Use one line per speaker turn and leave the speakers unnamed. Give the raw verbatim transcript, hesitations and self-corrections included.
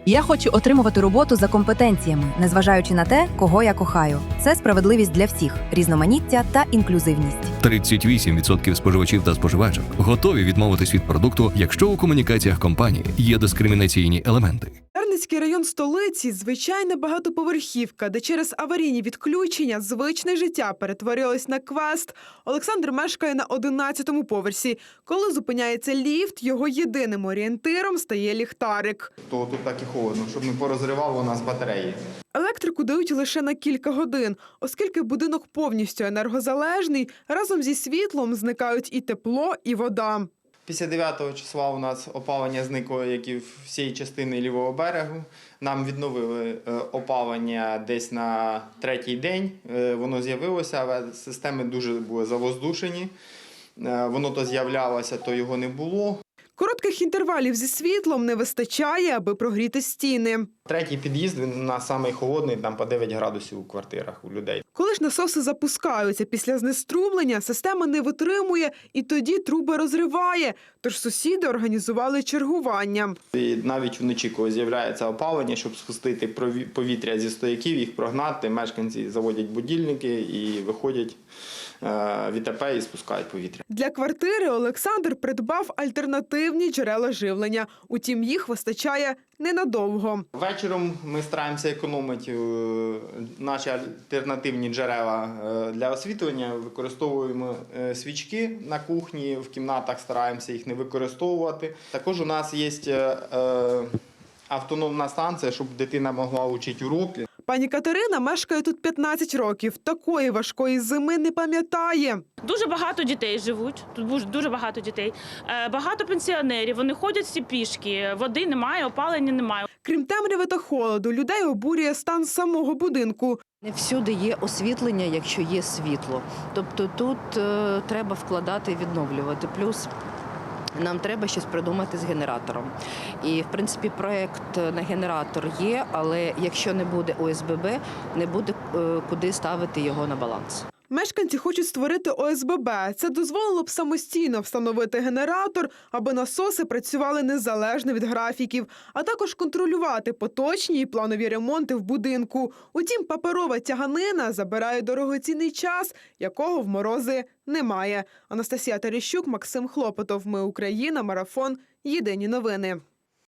Я хочу отримувати роботу за компетенціями, незважаючи на те, кого я кохаю. Це справедливість для всіх, різноманіття та інклюзивність.
тридцять вісім відсотків споживачів та споживачок готові відмовитись від продукту, якщо у комунікаціях компанії є дискримінаційні елементи.
Дарницький район столиці – звичайна багатоповерхівка, де через аварійні відключення звичне життя перетворилось на квест. Олександр мешкає на одинадцятому поверсі. Коли зупиняється ліфт, його єдиним орієнтиром стає ліхтарик.
То тут так і холодно, щоб не порозривало у нас батареї.
Електрику дають лише на кілька годин. Оскільки будинок повністю енергозалежний, разом зі світлом зникають і тепло, і вода.
Після дев'ятого числа у нас опалення зникло, як і всієї частини лівого берегу. Нам відновили опалення десь на третій день. Воно з'явилося, але системи дуже були завоздушені. Воно то з'являлося, то його не було.
Коротких інтервалів зі світлом не вистачає, аби прогріти стіни.
Третій під'їзд, він у нас самий холодний, там по дев'ять градусів у квартирах у людей.
Коли ж насоси запускаються після знеструмлення, система не витримує і тоді труби розриває. Тож сусіди організували чергування.
І навіть вночі, коли з'являється опалення, щоб спустити повітря зі стояків, їх прогнати, мешканці заводять будильники і виходять в І Те Пе і спускають повітря.
Для квартири Олександр придбав альтернативні джерела живлення. Утім, їх вистачає ненадовго.
Вечором ми стараємося економити наші альтернативні джерела для освітлення. Використовуємо свічки на кухні, в кімнатах стараємося їх не використовувати. Також у нас є автономна станція, щоб дитина могла вчити уроки.
Пані Катерина мешкає тут п'ятнадцять років. Такої важкої зими не пам'ятає.
Дуже багато дітей живуть, тут дуже багато дітей. Багато пенсіонерів, вони ходять всі пішки, води немає, опалення немає.
Крім темряви та холоду, людей обурює стан самого будинку.
Не всюди є освітлення, якщо є світло. Тобто тут е, треба вкладати і відновлювати. Плюс нам треба щось придумати з генератором. І, в принципі, проєкт на генератор є, але якщо не буде О С Б Б, не буде е, куди ставити його на баланс.
Мешканці хочуть створити О С Б Б. Це дозволило б самостійно встановити генератор, аби насоси працювали незалежно від графіків, а також контролювати поточні і планові ремонти в будинку. Утім, паперова тяганина забирає дорогоцінний час, якого в морози немає. Анастасія Терещук, Максим Хлопотов. Ми Україна. Марафон. Єдині новини.